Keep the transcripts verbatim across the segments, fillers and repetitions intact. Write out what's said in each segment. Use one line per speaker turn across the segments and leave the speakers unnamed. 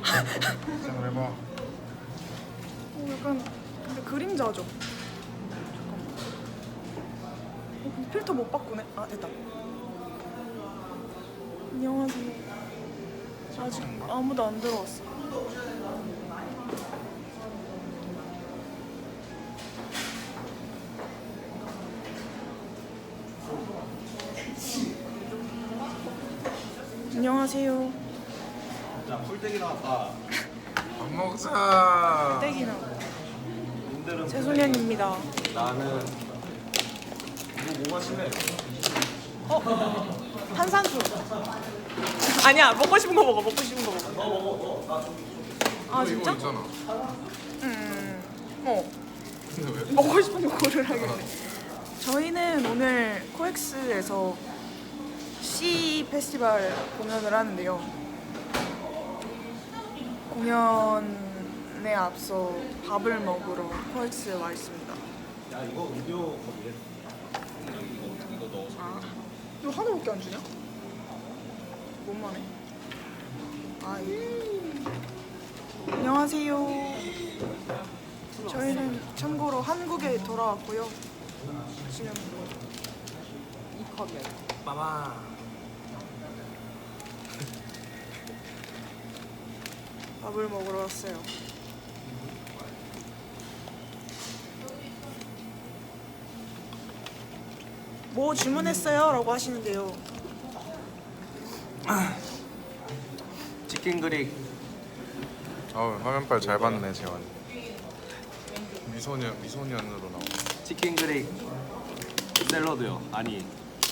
시작을 해봐.
오, 약간 근데 그림자죠? 잠깐만. 어, 근데 필터 못 바꾸네. 아, 됐다. 안녕하세요. 아직 아무도 안 들어왔어. 안녕하세요.
자, 풀떼기 나왔다.
밥 먹자.
떼기나
님들은
최소년입니다.
나는 이거 뭐 마실래?
어? 탄산수. 아니야, 먹고 싶은 거 먹어. 먹고 싶은 거 먹어.
너 먹어, 너. 나 좀.
아,
이거
진짜?
있잖아.
음. 어.
근데 왜?
먹고 싶은 거 고르라길래. 저희는 오늘 코엑스에서 C 페스티벌 공연을 하는데요. 공연에 앞서 밥을 먹으러 코엑스에 와 있습니다.
야, 이거 음료 거기에. 이거 이거 넣어서.
아, 이거 하나밖에 안 주냐? 뭔만해? 아, 이거. 안녕하세요. 저희는 참고로 한국에 돌아왔고요. 지금 이 컵이에요.
마마.
밥을 먹으러 왔어요. 뭐 주문했어요? 라고 하시는데요.
치킨 그릭.
어 화면빨 잘 봤네 재환. 미소년 미소년으로 나오.
치킨 그릭. 샐러드요. 아니.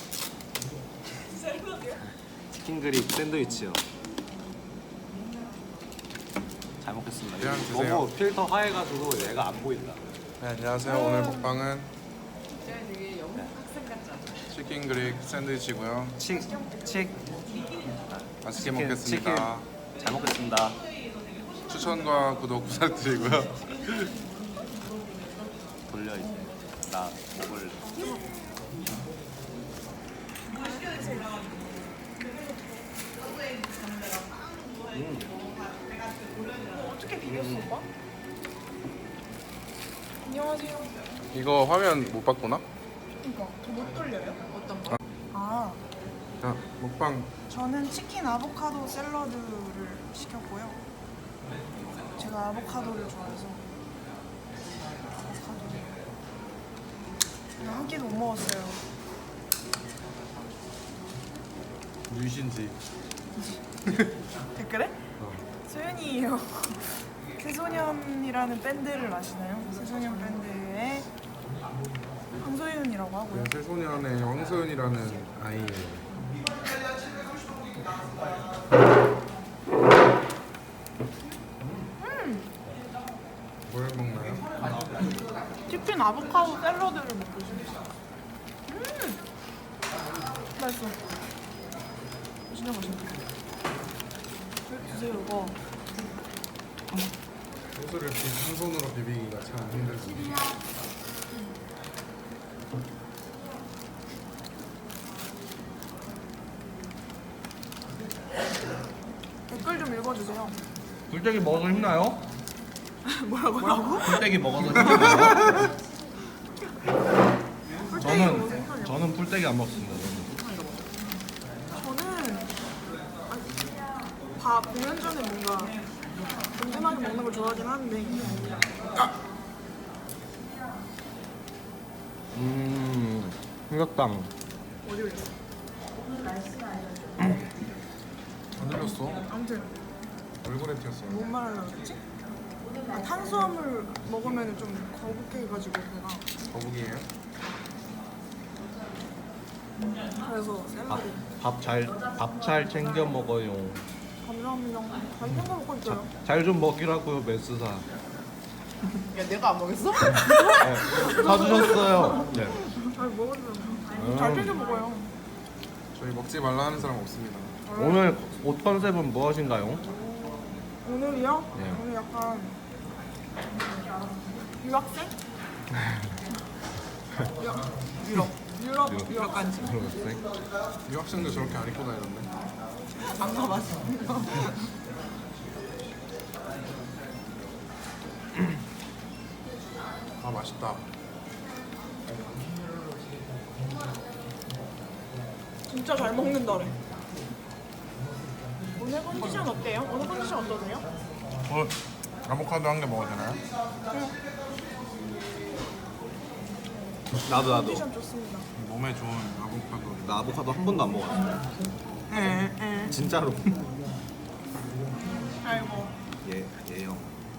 샐러드요?
치킨 그릭 샌드위치요. 잘 먹겠습니다.
그냥
이거
드세요.
너무 필터 하얘가지고 얘가 안 보인다.
네, 안녕하세요. 오늘 먹방은 치킨 그릭 샌드위치고요.
치, 치.
맛있게
치킨,
먹겠습니다.
잘 먹겠습니다.
추천과 구독 부탁드리고요.
돌려 이제. 나 먹을래. 음.
어떻게 비겼어, 오빠? 안녕하세요.
이거 화면 못 바꾸나?
그러니까 못 돌려요? 어떤 거? 아,
자 먹방.
저는 치킨 아보카도 샐러드를 시켰고요. 제가 아보카도를 좋아해서 아보카도를 그냥 한 끼도 못 먹었어요.
유신지.
댓글에? 소연이에요. 새소년이라는 밴드를 아시나요? 새소년 밴드의 황소윤이라고 하고요.
네, 새소년의 황소연이라는 아이예요. 뭘 먹나요?
치킨 아보카도 샐러드를 먹고 있습니다. 음! 맛있어. 진짜 맛있어. 드세요, 이거.
소스를 비- 한 손으로 비비기가 참 힘들습니다.
댓글 좀 읽어주세요.
불떼기 먹어서 힘나요?
뭐라고? 뭐라고?
풀떼기 먹어서 힘나요?
꿀땡이 먹어서
저는
힘들어요.
저는 풀떼기 안 먹습니다.
저는 밥 공연 전에 뭔가 든든하게 먹는 걸 좋아하긴 하는데
음, 삼각당.
어디 올렸어?
안 흘렸어.
아무튼
얼굴에 튀었어요.
뭔 말하려고 그랬지? 아, 탄수화물 먹으면 좀 거북해가지고 배가
거북이에요?
그래서 샐러드
밥 잘 밥 잘 챙겨 먹어요.
감사합니다. 잘 챙겨 먹고 있어요.
잘 좀 먹이라고요, 메스사.
야 내가 안 먹였어?
네, 사주셨어요. 네.
잘 먹었어요. 잘 챙겨 먹어요.
저희 먹지 말라 하는 사람 없습니다.
오늘 옷 컨셉은 무엇인가요?
오늘이요?
네.
오늘 약간 유학생? 유학, 유럽 유럽 유럽 간지
유학생도 저렇게 안 입고 다니던데.
안 가봤어.
맛있다.
진짜 잘 먹는다래. 오늘 컨디션 어때요? 오늘 컨디션 어떠세요?
어, 아보카도 한 개 먹어도 되나요?
나도 나도.
컨디션 좋습니다.
몸에 좋은 아보카도.
나 아보카도 한 번도 안 먹었어.
에, 에.
진짜로.
아이고.
예, 예요.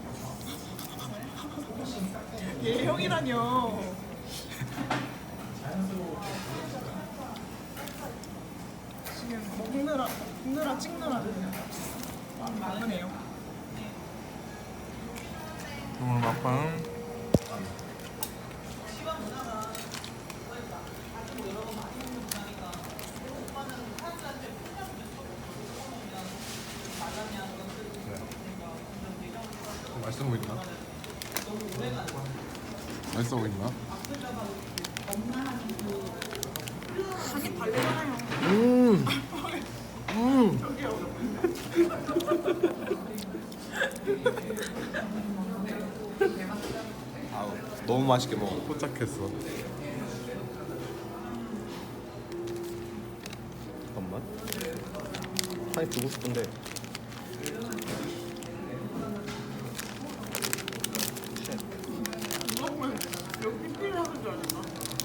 얘 형이라뇨. 지금 먹느라, 먹느라 찍느라 많으네요.
오늘 막방 맛있어 보인다. 맛있어 보인다.
자기 발레잖아요.
음. 음.
저기요.
아우, 너무 맛있게 먹어.
포착했어.
잠깐만. 한입 주고 싶은데.
이거는 여기 피를 하는 줄 알았나?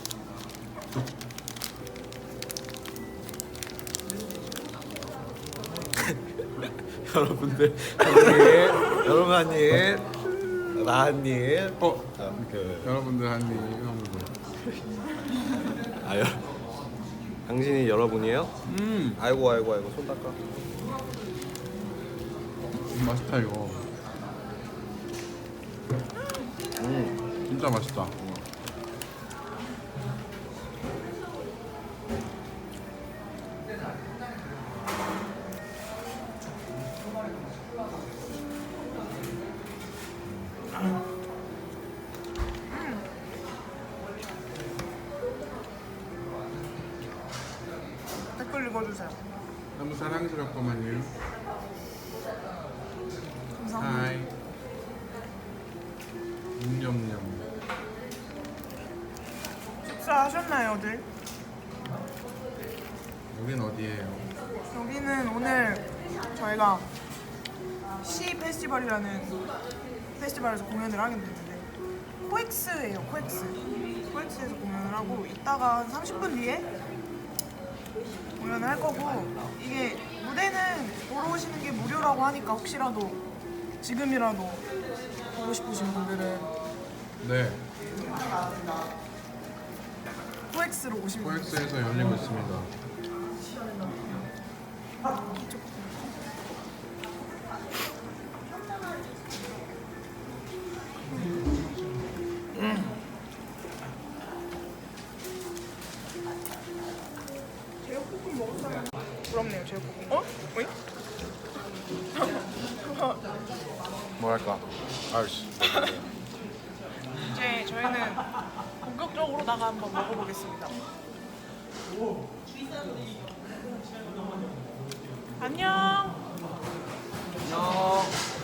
여러분들 한입, 여러분 한입, 나 한입.
어,
자, 그,
여러분들 한입 하면서.
아, 여, 당신이 여러분이에요?
음,
아이고 아이고 아이고 손 닦아.
맛있다 이거.
음,
진짜 맛있다.
댓글 읽어주세요.
너무 사랑스럽구만요.
감사합니다.
하이. 냠냠냠.
식사하셨나요,들?
여긴 어디예요?
여기는 오늘 저희가 시 페스티벌이라는 페스티벌에서 공연을 하게 됐는데 코엑스예요, 코엑스. 코엑스에서 공연을 하고 이따가 한 삼십 분 뒤에 공연을 할 거고 이게 무대는 보러 오시는 게 무료라고 하니까 혹시라도 지금이라도 보고 싶으신 분들은
네,
코엑스로 오시면 돼요.
코엑스에서 열리고 있습니다.
제육볶음 먹을 사람 부럽네요, 제육볶음. 어? 어이?
뭐랄까? 아이씨.
이제 저희는 본격적으로다가 한번 먹어보겠습니다. 안녕.
안녕.